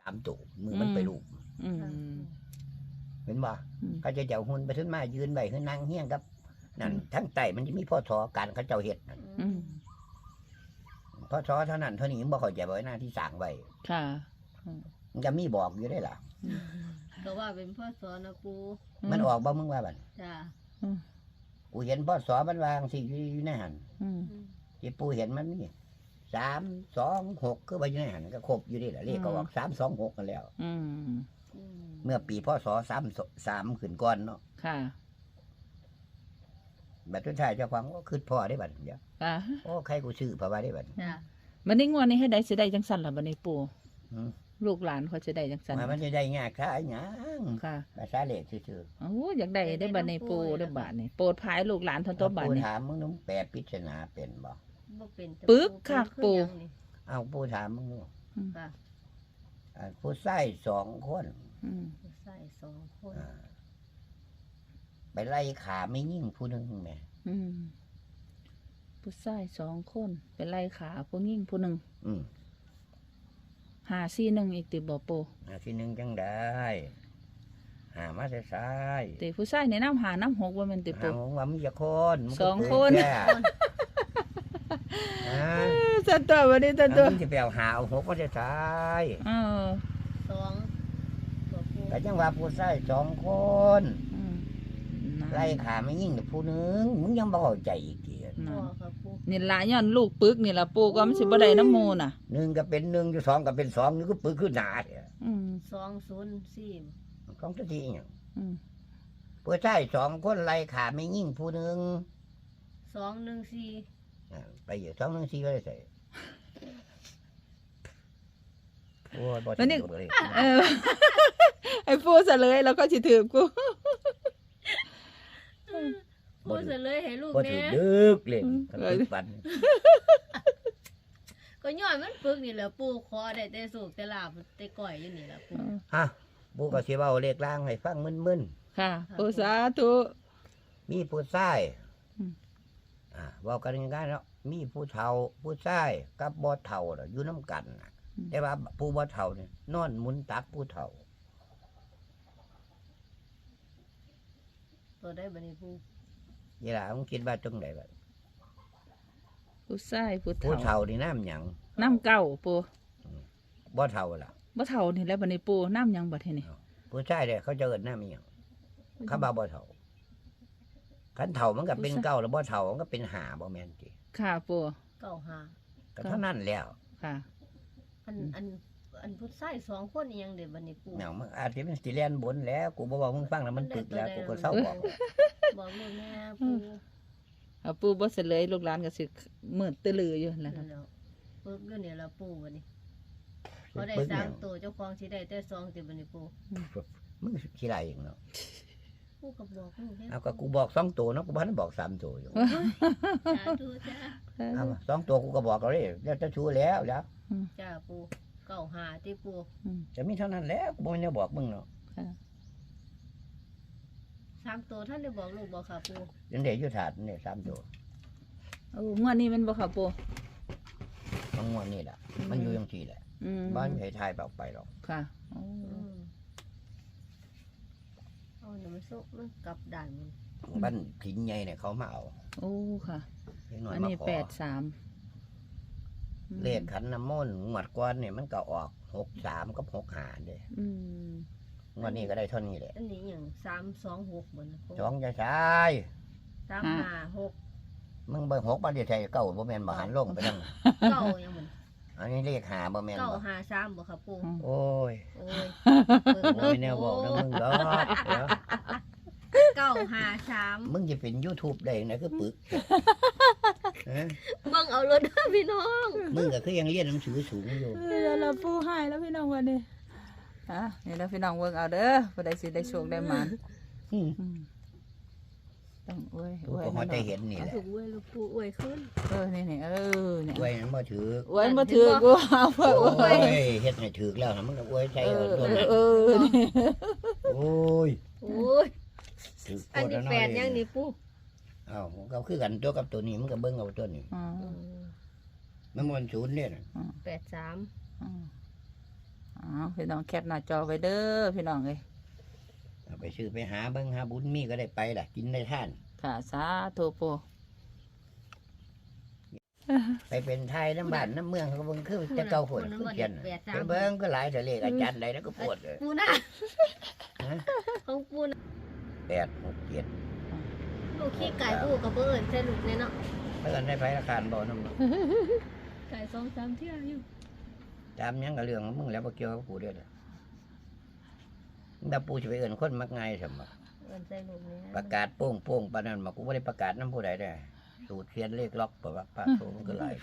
3 ตัวมือมันไปลูกเห็นบ่เขาจะเจ้าหุ่นไปขึ้นมายืนไว้ขึ้นนั่งเฮี้ยงกับนั่นทั้งไตมันจะมีพ่อทอการเขาเจ้าเฮ็ดพ่อทอเท่านั้นเท่านี้บ่เข้าใจบ่หน้าที่สร้างไว้ค่ะมันจะมีบอกอยู่ได้ล่ะก็ว่าเป็นพ่อสอนนะปูมันออกบ่มึงว่าบัดจ้ากูเห็นพ่อสอมันวางสิอยู่ในหันที่ปูเห็นมันนี่3 2 6คือว่าอยู่ในหันก็ครบอยู่นี่แหละเลขก็ออก3 2 6กันแล้วเมื่อปีพศ3ขึ้นก่อนเนาะค่ะบัดสุดท้ายเจ้าของก็คือพ่อได้บัดเดี๋ยวโอ้ใครกูซื้อเพราะว่าได้บัดบัดนี้งวดนี้ให้ได้สิได้จังซั่นล่ะบัดนี้ปู่ลูกหลานเขาจะได้จังซั่นมันจะได้ยากค่ะหยังค่ะภาษาเลขซื่อๆโอ้อยากได้ได้บัดนี้ปู่ได้บัดนี้โปรดภายลูกหลานทั้งตัวบัดนี้ปู่ถามมึงน้องแปลปริศนาเป็นบ่ปึ๊กค่ะปู่เอาปู่ถามมึงค่ะผู้ชาย2 คนผู้ชาย2 คนไปไล่ขาไม่ยิ่งผู้นึงแม่ผู้ชาย2 คนไปไล่ขาผู้หญิงผู้นึง541อีกติบ่ปู่ 541จังได้หามาแต่ซ้ายติผู้ชายในน้ำ5 น้ำ 6บ่แม่นติปู่ว่ามีจักคน 2 คนจัดตัวบัดนี้จัดตัวมึงสิไปเอา5เอา6มาแต่ซ้าย 2ตัวปู่ก็จังว่าผู้ชาย2 คนไล่ขาไม่ยิ่งผู้นึงมึงยังบ่เข้าใจอีกทีนี่ล่ะย้อนลูกปึกนี่ล่ะปู่ก็มันสิบ่ได้น้ำหมู่น่ะ 1ก็เป็น1อยู่2ก็เป็น2นี่ก็ปึกขึ้นหน้าแท้ 204 ของตัวที่หยังผู้ชาย2 คนไล่ขาไม่ยิ่งผู้นึง 214 ไปอยู่214ก็ได้ใส่โอ้ยบ่สิเลยไอ้ปู่ซะเลยแล้วก็สิถือกูพูดเลยให้ลูกแน่ดึกเล่นปันก็ย้อนมันปึกนี่แหละปู่ขอได้แต่สุกแต่ลาบแต่ก้อยอยู่นี่แหละปู่ปู่ก็สิเว้าเลขล่างให้ฟังมึนๆค่ะปู่สาธุมีผู้ชายเว้ากันง่ายๆเนาะมีผู้เฒ่าผู้ชายกับบ่เฒ่าอยู่นำกันแต่ว่าผู้บ่เฒ่านี่นอนหมุนตักผู้เฒ่าตัวได้บัดนี้ปู่นี่ล่ะมึงคิดว่าจังได๋บัดผู้ชายผู้เฒ่านี่น้ำหยังน้ำเก่าปู่บ่เฒ่าล่ะบ่เฒ่านี่แหละบัดนี้ปู่น้ำหยังบัดทีนี้ผู้ชายเด้เขาจะเอิ้นน้ำอีหยังเขาบ่เฒ่าคันเฒ่ามันก็เป็นเก่าแล้วบ่เฒ่ามันก็เป็น5บ่แม่นติค่ะปู่ 95 ก็เท่านั้นแล้วค่ะอันผู้ชาย2 คนอีหยังเด้บัดนี้ปู่เนาะมันอาจสิเป็นสิแล่นบนแล้วกูบ่บอกมึงฟังแล้วมันปึกแล้วกูก็เศร้าบอกลูกแม่ปู่ปู่บ่เฉลยลูกหลานก็สิมืดตื้อลืออยู่นั่นล่ะปึกอยู่นี่ล่ะปู่บัดนี้บ่ได้3ตัวเจ้าของสิได้แต่2ติบัดนี้ปู่มึงสิได้เองเนาะปู่ก็บอกมึงแท้เอาก็กูบอก2ตัวเนาะกูบ่ทันบอก3ตัวอยู่สาธุจ้าเอา2ตัวกูก็บอกแล้วเด้แล้วจะชูแล้วจ้าปู่95ติปู่จะมีเท่านั้นแล้วกูบ่ได้บอกมึงเนาะ 3ตัวท่านได้บอกลูกบ่ค่ะปู่ยังได้อยู่ถาดนี่3ตัวงวดนี้มันบ่ค่ะปู่งวดนี้ล่ะมันอยู่จังซี่แหละบ้านให้ทายไปหรอกค่ะนี่มันสุกมันกลับด่านบ้านผินใหญ่เนี่ยเขามาเอาโอ้ค่ะอันนี้83 เลขขันน้ำมนต์งวดก่อนเนี่ยมันก็ออก63กับ65เด้งวดนี้ก็ได้เท่านี้แหละอันนี้หยัง326เหมือน 2จะใช่ 356 มึงเบิ่ง6บ่ได้ใช่เก้าบ่แม่นบ่หันลงไปนั่งเก้ายังเหมือนอันนี้เลข5บ่แม่นบ่ 953บ่ครับปู่โอ้ยแนวบอกนะมึงดอก 953 มึงจะเป็น YouTube ได้นะคือปึกเบิ่งเอารถพี่น้องมึงก็คือยังเรียนหนังสือสูงอยู่แล้วปู่ให้แล้วพี่น้องวันนี้นี่แล้วพี่น้องเบิ่งเอาเด้อบ่ได้สิได้โชคได้หมานต้องอวยก็พอได้เห็นนี่แหละอวยลูกปู่อวยขึ้นนี่เนี่ยอวยมันบ่ถืออวยบ่ถือกูเอาอวยเฮ็ดให้ถือแล้วมันก็อวยใจตัวนั้นโอ้ยอันนี้8ยังนี่ปู่อ้าวก็คือกันตัวกับตัวนี้มันก็เบิ่งเอาตัวนี้มัน0เนี่ย 83 อ๋อพี่น้องแคปหน้าจอไว้เด้อพี่น้องเอ้ยเอาไปซื้อไปหาเบิ่งหาบุญมีก็ได้ไปล่ะกินได้ท่านค่ะสาธุปูไปเป็นไทยน้ำบ้านน้ำเมืองเขาเบิ่งคือจะเก่าฝนคือเขียนน่ะไปเบิ่งก็หลายแต่เลขอาจารย์ใดแล้วก็ปวดเลยปูน่ะฮะของปูน่ะ 8 6 7 ลูกขี้ไก่ปูกับเบิ้ลใช่ลูกเนี่ยเนาะเพิ่นได้ไปราคาบ่นำไก่2-3เที่ยวอยู่ตามหยังก็เรื่องของมึงแล้วบ่เกี่ยวกับกูเด้อถ้าปูสิไปเอิ้นคนมักง่ายซั่นบ่เอิ้นใส่ลูกเนี่ยประกาศโป้งๆปานนั้นมากูบ่ได้ประกาศนำผู้ใดได้สูตรเขียนเลขล็อกบ่ว่าพระโตมันก็หลาย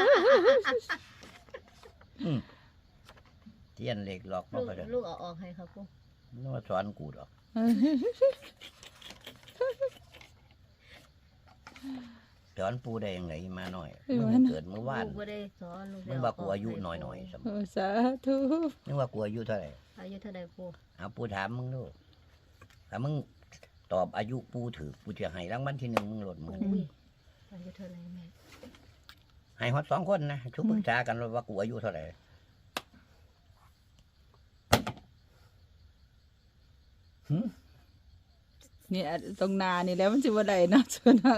อืมเขียนเลขล็อกบ่ลูกก็ได้ลูกเอาออกให้ครับปูมันมาสอนกูดอกสอนปูได้ยังไงมาหน่อยมึงเกิดเมื่อวานลูกบ่ได้สอนลูกมึงว่ากูอายุน้อยๆสมโอ้สาธุมึงว่ากูอายุเท่าไหร่อายุเท่าใดปูเอาปูถามมึงดูถ้ามึงตอบอายุปูถือปูจะให้รางวัลที่1มึงโหลดมึงอุ้ยอายุเท่าไหรแม่ให้ฮอด2คนนะชุบปรึกษากันว่ากูอายุเท่าไหร่นี่ตรงนานี่แล้วมันสิบ่ได้เนาะส่วนนะ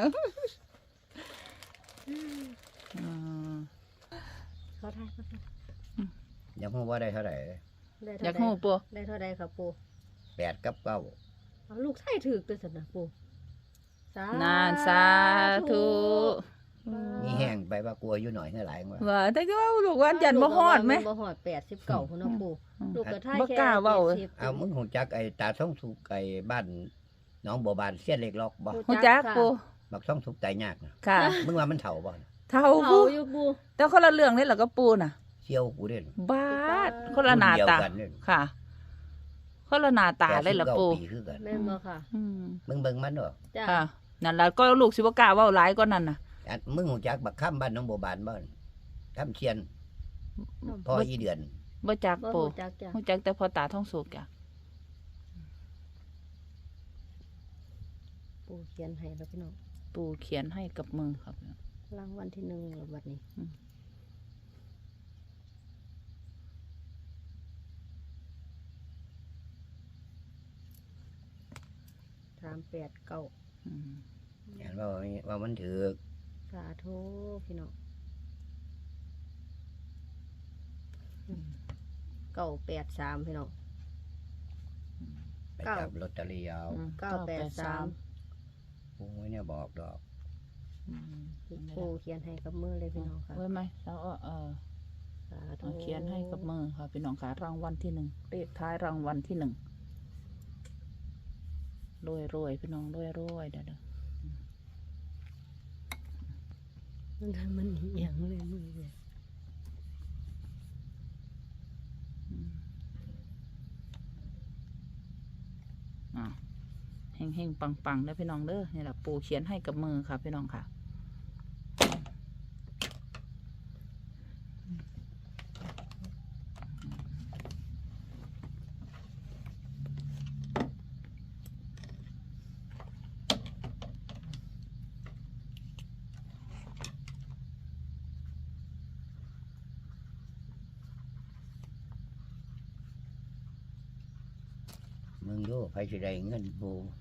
อืมเขาทายเขาทายยังพูดว่าได้เท่าไหร่ได้อยากเท่าฮู้ใดปูได้เท่าใดครับปู 8 กับ 9 เอาลูกไส้ถือตัวสันนะปูสานานสาธุนี่แห้งไปว่ากูอายุหน่อยเท่าไหร่ว่าว่าแต่ก็ว่าลูกว่ายันบ่ฮอดไหมบ่ฮอด89พุ่นเนาะปูลูกก็ทายบ่แค่กล้าเว้า 70 เอามึงคงจักไอ้ตาท่องสุกไอ้บ้านน้องบัวบานเสี้ยนเล็กล็อกบ่ฮู้จักปูบักท่องสุกตายยากนะค่ะมึงว่ามันเถ่าบ่เท่าเผาปูอยู่ปูแต่คนละเรื่องเลยเหรอก็ปูน่ะเชี่ยวกูเด่นบาดคนละหน้าตารุ่เดียวกันเนี่ยค่ะ คนละหน้าตาเลยเหรอปู 89ปีคือกันแม่นบ่ค่ะอืมมึงเบิ่งมันเด้อจ้าค่ะนั่นล่ะก็ลูกสิบ่กล้าเว้าหลายกว่านั้นน่ะอันมึงคงจักบักค่ำบ้านน้องบัวบานบ่ค่ำเชียนพ่ออีเดือนบ่จักบ่ปูฮู้จักจ้ะฮู้จักแต่พอตาท้องสุกจ้ะปูเขียนให้แล้วพี่น้องปูเขียนให้กับมือครับรางวัลที่1แล้วบัดนี้อืม 389 อืมเห็นว่ามันถือสาธุพี่น้อง983พี่น้องไปจับลอตเตอรี่เอาอืม 983 โอ้ยเนี่ยบอกดอกอืมปูเขียนให้กับมือเลยพี่น้องค่ะไว้ไหมแล้วสาธุเอาเขียนให้กับมือค่ะพี่น้องค่ะรางวัลที่1เลขท้ายรางวัลที่1รวยพี่น้องรวยเด้อมันเอียงเลยมือเลยเฮงปังๆเด้อพี่น้องเด้อนี่แหละปูเขียนให้กับมือค่ะพี่น้องค่ะมึงดูไผสิได้เงินปู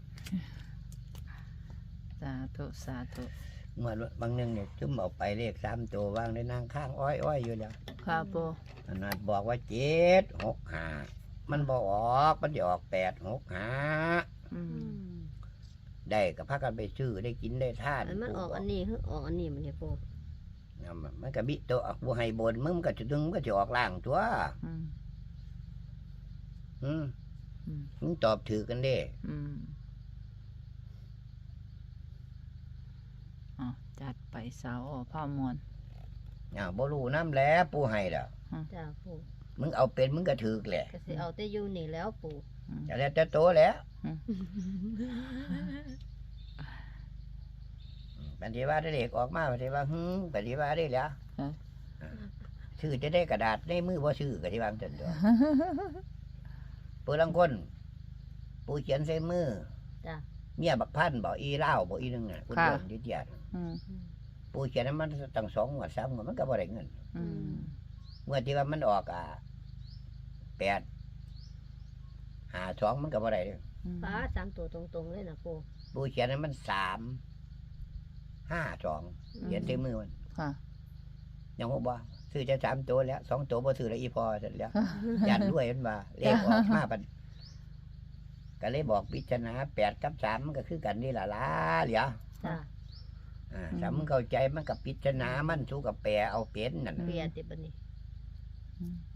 สาธุเมื่อบางนึงเนี่ยจุ่มเอาไปเลข3ตัววางในนางข้างอ้อยอยู่แล้วค่ะปูอันนั้นบอกว่า765มันบอกออกมันจะออก865 อืมได้ก็พากันไปซื้อได้กินได้ทานมันออกอันนี้คือออกอันนี้มันเนี่ยปูมันก็บิตัวบ่ให้บนมึงมันก็จะดึงมันก็จะออกล่างตัวอืมอืมอืมมึงตอบถือกันเด้อืมจัดไปสาวพ่อมวลบ่รู้น้ำแล้วปูให้ล่ะจ้าปูมึงเอาเป็นมึงก็ถือแหละก็สิเอาแต่อยู่นี่แล้วปูจะแล้วแต่โตแล้วปฏิว่าได้เลขออกมาปฏิว่าปฏิว่าได้แล้วซื้อจะได้กระดาษในมือบ่ซื้อก็ที่วางจังตัวปูลังคนปูเขียนใส่มือจ้าเมียบักพันบ่อีเล่าวบ่อีนึงน่ะคุณเดินดิเดียดอืมปูเขียนให้มันตั้ง2 งวด 3 งวดมันก็บ่ได้เงินอืมเมื่อที่ว่ามันออก 8 5 2มันก็บ่ได้เด้อฟ้า3ตัวตรงๆเลยนะปู่ปูเขียนให้มัน3 5 2เขียนที่มือมันค่ะยังบ่ซื้อจะ3 ตัวแล้ว2 ตัวบ่ซื้อแล้วอีพอเสร็จแล้ว ยันด้วยมันว่าเลขออกมาปันก็เลยบอกพิจารณา8 กับ 3มันก็คือกันนี่ล่ะล่ะเหลียวจ้ะสำเข้าใจมันกับพิจารณามันสู้กับแปรเอาเป็นนั่นน่ะเปลี่ยนติบัดนี้อืม